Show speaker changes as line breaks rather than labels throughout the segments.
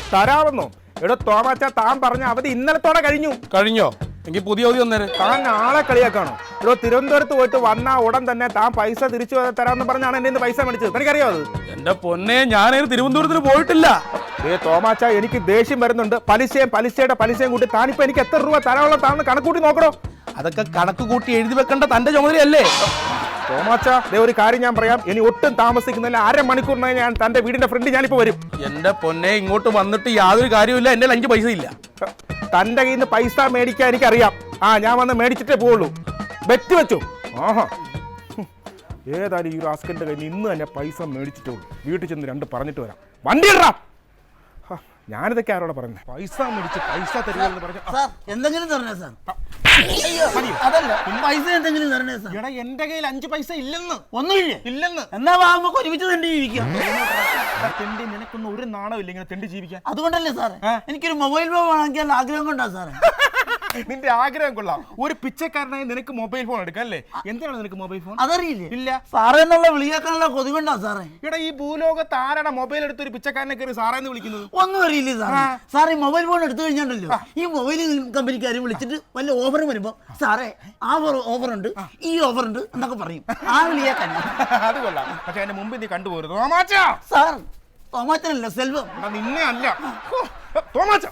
തരാമെന്നോ? എടോ തോമാച്ച, താൻ പറഞ്ഞ അവധി ഇന്നലത്തോടെ കഴിഞ്ഞോ?
എങ്കിൽ പുതിയ അവധി വന്നേരെ.
താൻ ആളെ കളിയാക്കാണോ? എടോ തിരുവനന്തപുരത്ത് പോയിട്ട് വന്നാ ഉടൻ തന്നെ താൻ പൈസ തിരിച്ചു തരാമെന്ന് പറഞ്ഞാണ് എന്റെ നിന്ന് പൈസ മേടിച്ചത്. തനിക്കറിയോ അത്?
എന്റെ പൊന്നെ, ഞാൻ തിരുവനന്തപുരത്തിന് പോയിട്ടില്ല.
തോമാച്ച, എനിക്ക് ദേഷ്യം വരുന്നുണ്ട്. പലിശയുടെ പലിശയും കൂട്ടി താനിപ്പോ എനിക്ക് എത്ര രൂപ തരാനുള്ള താന്ന് കണക്കൂട്ടി നോക്കണോ?
അതൊക്കെ കണക്ക് കൂട്ടി എഴുതി വെക്കേണ്ട തന്റെ ചുമതലയല്ലേ
തോമാച്ച? ഒരു കാര്യം ഞാൻ പറയാം, ഇനി ഒട്ടും താമസിക്കുന്നില്ല, അരമണിക്കൂറിനായി ഞാൻ തന്റെ വീടിന്റെ ഫ്രണ്ട് ഞാനിപ്പോ വരും.
എന്റെ പൊന്നെ, ഇങ്ങോട്ട് വന്നിട്ട് യാതൊരു കാര്യമില്ല. എന്റെ 5 പൈസ ഇല്ല.
തന്റെ കയ്യിൽ നിന്ന് പൈസ മേടിക്കാൻ എനിക്കറിയാം. ഞാൻ വന്ന് മേടിച്ചിട്ടേ പോവുള്ളൂ. ബെറ്റ് വെച്ചു. ആഹാ, ഏതായാലും ഈ റാസ്കലിന്റെ കയ്യിൽ നിന്ന് തന്നെ പൈസ മേടിച്ചിട്ടേ ഉള്ളൂ. വീട്ടിൽ ചെന്ന് 2 പറഞ്ഞിട്ട് വരാം. വണ്ടി ഇടാ. ഞാനിതൊക്കെ ആരോടെ പറഞ്ഞത്? പൈസ മേടിച്ച് പൈസ തരുമെന്ന് പറഞ്ഞു.
എന്തെങ്കിലും തരണേ സാർ. അതല്ല, പൈസ എന്തെങ്കിലും തരണേ സാർ.
എടാ, എന്റെ കയ്യിൽ 5 പൈസ ഇല്ലെന്ന്.
ഒന്നുമില്ലെന്ന് എന്നാ വാങ്ങുമ്പോ ഒരുമിച്ച് തെണ്ടി ജീവിക്കാം.
തെണ്ടി, നിനക്കൊന്നും ഒരു നാണമില്ല ഇങ്ങനെ തെണ്ടി ജീവിക്കാൻ.
അതുകൊണ്ടല്ലേ സാറേ എനിക്കൊരു മൊബൈൽ ഫോൺ വാങ്ങിക്കാൻ ആഗ്രഹം കൊണ്ടാ സാറേ.
നിന്റെ ആഗ്രഹം കൊള്ളാം. ഒരു പിച്ചക്കാരനായി നിനക്ക് മൊബൈൽ ഫോൺ എടുക്കാം അല്ലേ? എന്താണ് നിനക്ക് മൊബൈൽ ഫോൺ?
അതറിയില്ലേ?
ഇല്ല.
സാറേ എന്നുള്ള വിളിയേക്കാനുള്ള കൊതി കൊണ്ടാ സാറേ.
ഇവിടെ ഈ ഭൂലോകത്ത് ആരാണ് മൊബൈൽ എടുത്ത് ഒരു പിച്ചക്കാരനെ കയറി സാറേന്ന് വിളിക്കുന്നത്?
ഒന്നും അറിയില്ലേ സാറേ. സാറേ മൊബൈൽ ഫോൺ എടുത്തു കഴിഞ്ഞാണ്ടല്ലോ, ഈ മൊബൈൽ കമ്പനിക്കാർ വിളിച്ചിട്ട് വല്ല ഓഫർ വരുമ്പോ സാറേ ആ ഓഫർ ഉണ്ട്, ഈ ഓഫർ ഉണ്ട് എന്നൊക്കെ പറയും. ആ വിളിയേക്കാൻ
അത് കൊള്ളാം. പക്ഷെ എന്റെ മുമ്പിൽ നീ കണ്ടുപോരുത്
സാർ. തോമാച്ചനല്ല, സെൽവം.
നിന്നെ അല്ല തോമാച്ച.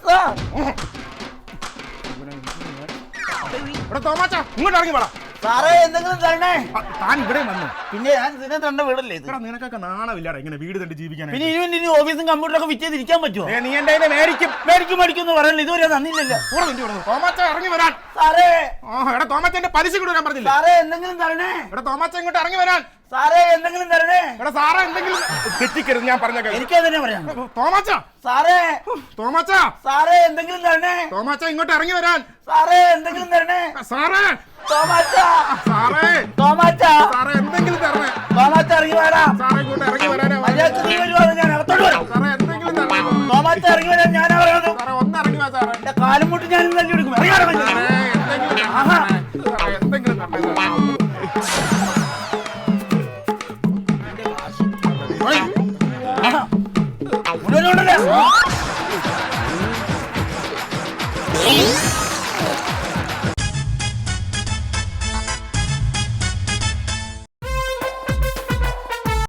ഇങ്ങോട്ട് ഇറങ്ങി വേണം
സാറേ. എന്തെങ്കിലും തരണേ.
താൻ ഇവിടെ വന്നു.
പിന്നെ ഞാൻ ഇതിനെ തണ്ട വീടല്ലേ ഇത്?
നിനക്കൊക്കെ നാണമില്ലാടാ ഇങ്ങനെ വീട് തണ്ടി ജീവിക്കാൻ.
പിന്നെ ഇനി ഓഫീസും കമ്പ്യൂട്ടറൊക്കെ വിറ്റേതിരിക്കാൻ പറ്റുമോ?
നീ എന്റെ
മേടിക്കും എന്ന് പറയല്ലോ. ഇതുവരെ തന്നില്ലല്ലോ.
തോമാച്ച ഇറങ്ങി വരാൻ.
സാറേ
എടാ തോമാച്ചന്റെ പലിശ കൂടെ ഞാൻ പറഞ്ഞില്ല.
സാറേ എന്തെങ്കിലും തരണേ.
എടാ തോമാച്ച ഇങ്ങോട്ട് ഇറങ്ങി വരാൻ.
സാറേ എന്തെങ്കിലും തരണേ.
എടാ സാറേ എന്തെങ്കിലും തെറ്റിക്കരുത്, ഞാൻ പറഞ്ഞ
എനിക്കതന്നെ പറയാം.
തോമാച്ച.
സാറേ
തോമാച്ച.
സാറേ എന്തെങ്കിലും തരണേ.
തോമാച്ച ഇങ്ങോട്ട് ഇറങ്ങി വരാൻ.
സാറേ എന്തെങ്കിലും തരണേ.
സാറേ.
തോമാച്ച.
സാറേ.
തോമാച്ച.
സാറേ എന്തെങ്കിലും തരണേ.
തോമാച്ച ഇറങ്ങി വരാം.
സാറേ ഇങ്ങോട്ട് ഇറങ്ങി വരാനാ.
ഞാൻ അകത്തോട്ട് വരാം.
സാറേ എന്തെങ്കിലും തരണേ.
തോമാച്ച ഇറങ്ങി വരാൻ ഞാനാ പറയുന്നത്.
സാറേ ഒന്ന് ഇറങ്ങി വാ സാറേ.
എന്റെ കാലും മുട്ട് ഞാൻ തല്ലി എടുക്കും.
എന്തെങ്കിലും തരണേ.
മുഴുവനുണ്ടല്ലേ?